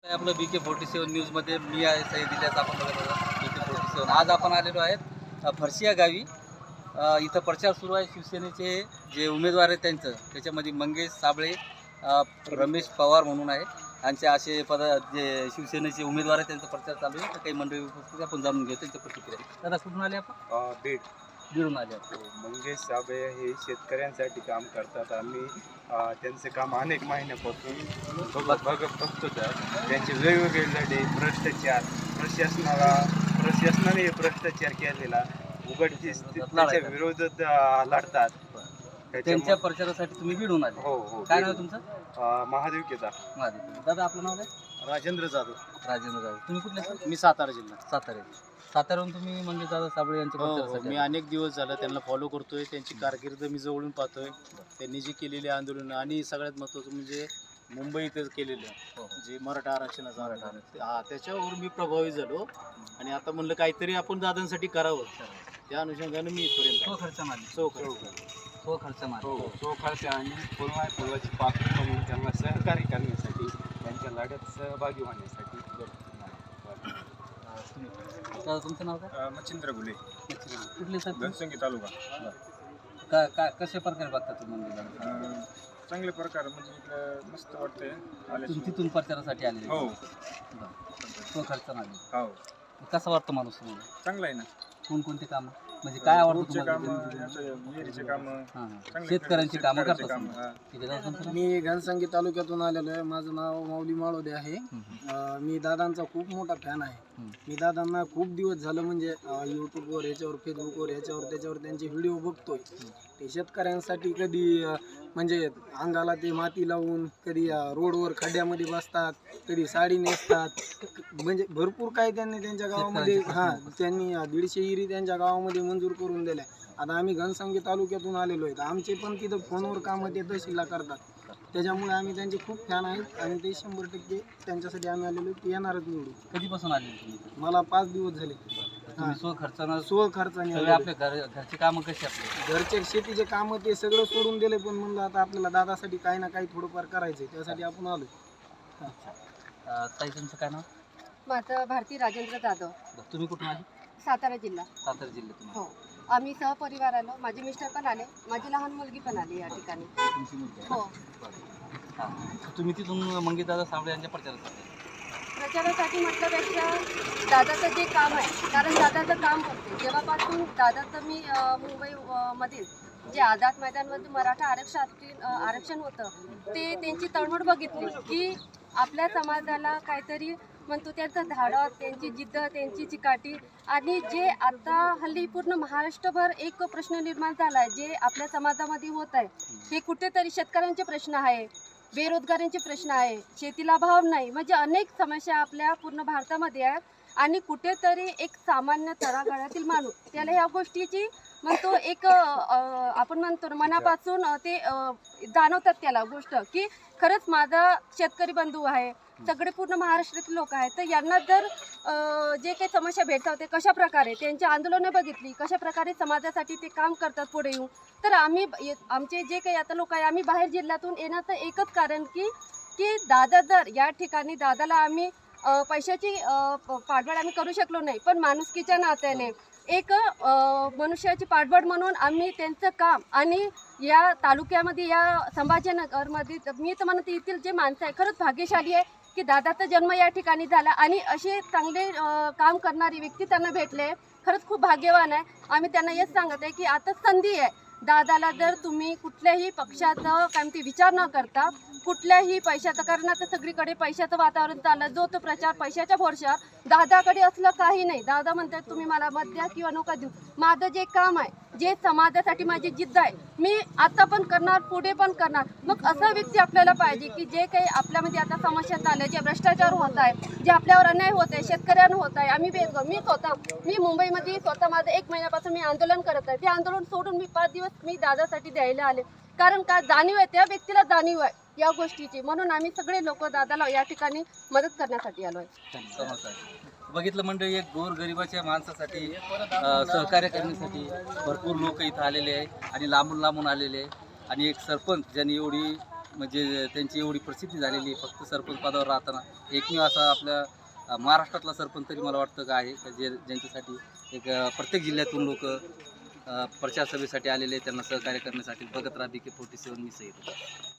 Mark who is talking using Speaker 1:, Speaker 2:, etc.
Speaker 1: आपलं BK47 न्यूजमध्ये मी आहे सईद इलियास. आपण बघत आहोत BK47. आज आपण आलेलो आहेत फरशी या गावी. इथं प्रचार सुरू आहे. शिवसेनेचे जे उमेदवार आहेत त्याच्यामध्ये मंगेश साबळे, रमेश पवार म्हणून आहे. यांचे असे जे शिवसेनेचे उमेदवार आहेत त्यांचा प्रचार चालू आहे. तर काही मंडळी उपस्थित आपण जाणून घेऊ त्यांच्या प्रतिक्रिया. दादा कुठून आले आपण? बीडून आले आपण.
Speaker 2: मंगेश साबळे हे शेतकऱ्यांसाठी काम करतात. आम्ही त्यांचे काम अनेक महिन्यापासून बघतो. तर त्यांचे वेगवेगळे लढे, भ्रष्टाचार, प्रशासनाने हे भ्रष्टाचार केलेला उघडकीस त्याच्या विरोधात लढतात.
Speaker 1: त्यांच्या प्रचारासाठी तुम्ही बीडून आले?
Speaker 2: हो.
Speaker 1: काय नाव तुमचं?
Speaker 2: महादेव केदार.
Speaker 1: दादा आपलं नाव काय?
Speaker 2: राजेंद्र जाधव.
Speaker 1: तुम्ही कुठले?
Speaker 2: मी सातारा जिल्हा.
Speaker 1: साताऱ्याहून तुम्ही मंगेश दादा साबळे यांच्या प्रचारासाठी?
Speaker 2: मी अनेक दिवस झालं त्यांना फॉलो करतोय. त्यांची कारकीर्द मी जवळून पाहतोय. त्यांनी जी केलेली आंदोलन आणि सगळ्यात महत्त्वाचं म्हणजे मुंबईतच केलेलं जे मराठा आरक्षणाचं त्याच्यावर मी प्रभावित झालो आणि आता म्हणलं काहीतरी आपण दादांसाठी करावं. त्या अनुषंगाने मी इथपर्यंत
Speaker 1: खर्च मारली.
Speaker 2: खर्च आणि फुलवाची पाकळी म्हणून त्यांना सहकार्य करण्यासाठी, त्यांच्या लढ्यात सहभागी होण्यासाठी.
Speaker 1: तुमचं नाव काय?
Speaker 2: मच्छिंद्र गुले.
Speaker 1: कुठले सर?
Speaker 2: घनसंगी तालुका.
Speaker 1: काय कशा प्रकारे बघता तुम्ही?
Speaker 2: चांगल्या प्रकारे म्हणजे इकडं मस्त वाटतंय.
Speaker 1: तुम्ही तिथून प्रचारासाठी आले?
Speaker 2: हो.
Speaker 1: तो खर्च मारली.
Speaker 2: हो.
Speaker 1: कसा वाटतं माणूस तुम्हाला?
Speaker 2: चांगला आहे ना.
Speaker 1: कोणकोणते कामं म्हणजे काय आवडतं तुम्हाला? शेतकऱ्यांची कामं करतात.
Speaker 3: मी घनसंगी तालुक्यातून आलेलो आहे. माझं नाव माऊली माळोदे आहे. मी दादांचा खूप मोठा फॅन आहे. मी दादांना खूप दिवस झालं म्हणजे यूट्यूबवर, याच्यावर, फेसबुकवर, त्याच्यावर त्यांचे व्हिडिओ बघतोय. ते शेतकऱ्यांसाठी कधी म्हणजे अंगाला ते माती लावून, कधी रोडवर खड्ड्यामध्ये बसतात, कधी साडी नेसतात, म्हणजे भरपूर काही त्यांनी त्यांच्या गावामध्ये त्यांनी 150 इरी त्यांच्या गावामध्ये मंजूर करून दिल्या. आता आम्ही घनसंगी तालुक्यातून आलेलो आहेत. आमचे पण तिथं फोनवर कामं ते तहसीलला करतात. त्याच्यामुळे आम्ही त्यांचे खूप फॅन आहेत आणि ते 100% त्यांच्यासाठी आम्ही आलेलो ते येणारच निवडू.
Speaker 1: कधीपासून आले तुम्ही?
Speaker 3: मला 5 दिवस झाले.
Speaker 1: स्वखर्चाने आपल्या घरची कामं कशी आपली
Speaker 3: घरचे शेतीचे कामं ते सगळं सोडून दिले. पण म्हणलं आता आपल्याला दादासाठी काही ना काही थोडंफार करायचंय, त्यासाठी आपण आलो.
Speaker 1: ताई तुमचं काय नाव?
Speaker 4: माझं भारती राजेंद्र जाधव.
Speaker 1: तुम्ही कुठून आले?
Speaker 4: सातारा जिल्हा.
Speaker 1: सातारा जिल्ह्यातून.
Speaker 4: हो. आम्ही सहपरिवार आलो. माझे मिस्टर पण आले, माझी लहान मुलगी पण आली या ठिकाणी.
Speaker 1: तुमची मुलगी? हो. तुम्ही तिथून मंगेश दादा साबळे यांच्या
Speaker 4: प्रचारासाठी म्हटल्यापेक्षा दादाचं जे काम आहे, कारण दादाचं काम करते जेव्हापासून दादाचं मी मुंबईमधील जे आझाद मैदानमध्ये मराठा आरक्षण होतं ते त्यांची तळमळ बघितली की आपल्या समाजाला काहीतरी म्हणतो त्यांचं धाडस, त्यांची जिद्द, त्यांची चिकाटी. आणि जे आता हल्ली पूर्ण महाराष्ट्रभर एक प्रश्न निर्माण झाला आहे जे आपल्या समाजामध्ये होत आहे, हे कुठेतरी शेतकऱ्यांचे प्रश्न आहे, बेरोजगारांचे प्रश्न आहे, शेतीला भाव नाही, म्हणजे अनेक समस्या आपल्या पूर्ण भारतामध्ये आहेत. आणि कुठेतरी एक सामान्य तळागाळातील माणूस त्याला ह्या गोष्टीची म्हणतो एक आपण म्हणतो मनापासून ते जाणवतात त्याला गोष्ट की खरंच माझा शेतकरी बंधू आहे, सगळे पूर्ण महाराष्ट्रातील लोक आहेत. तर यांना जर जे काही समस्या भेटतात ते कशा प्रकारे त्यांची आंदोलनं बघितली, कशा प्रकारे समाजासाठी ते काम करतात पुढे येऊन, तर आम्ही आमचे जे काही आता लोक आहे आम्ही बाहेर जिल्ह्यातून येण्याचं एकच कारण की दादा जर या ठिकाणी दादाला आम्ही पैशाची पाठबळ आम्ही करू शकलो नाही, पण माणुसकीच्या नात्याने एक मनुष्याची पाठबळ म्हणून आम्ही त्यांचं काम आणि या तालुक्यामध्ये या संभाजीनगरमध्ये मी तर म्हणते येथील जे माणसं आहे खरंच भाग्यशाली आहे की दादाचा जन्म या ठिकाणी झाला आणि असे चांगले काम करणारी व्यक्ती त्यांना भेटले. खरंच खूप भाग्यवान आहे. आम्ही त्यांना हेच सांगत आहे की आता संधी आहे. दादाला जर तुम्ही कुठल्याही पक्षाचा काय ते विचार न करता कुठल्याही पैशाचं, कारण आता सगळीकडे पैशाचं वातावरण चाललं, जो तो प्रचार पैशाच्या भरशावर, दादाकडे असलं काही नाही. दादा म्हणतात तुम्ही मला मत द्या किंवा नका देऊ, माझं जे काम आहे, जे समाजासाठी माझी जिद्द आहे, मी आता पण करणार, पुढे पण करणार. मग असा व्यक्ती आपल्याला पाहिजे की जे काही आपल्यामध्ये आता समस्या चालल्या, जे भ्रष्टाचार होत आहे, जे आपल्यावर अन्याय होत आहे, शेतकऱ्यांना होत आहे. मी मुंबईमध्ये स्वतः माझं 1 महिन्यापासून मी आंदोलन करत आहे. ते आंदोलन सोडून मी 5 दिवस मी दादासाठी द्यायला आले, कारण का जाणीव आहे, त्या व्यक्तीला जाणीव आहे या गोष्टीची. म्हणून आम्ही सगळे लोक दादाला या ठिकाणी मदत करण्यासाठी आलो आहे.
Speaker 1: बघितलं मंडळी, एक गोरगरिबाच्या माणसासाठी सहकार्य करण्यासाठी भरपूर लोक इथं आलेले आहे आणि लांबून आलेले आहे. आणि एक सरपंच ज्यांनी एवढी म्हणजे त्यांची एवढी प्रसिद्धी झालेली आहे, फक्त सरपंच पदावर राहताना एकमेव असा आपल्या महाराष्ट्रातला सरपंच तरी मला वाटतं का आहे का जे ज्यांच्यासाठी एक प्रत्येक जिल्ह्यातून लोक प्रचार सभेसाठी आलेले त्यांना सहकार्य करण्यासाठी. बघत राहा BK47 मी सईद.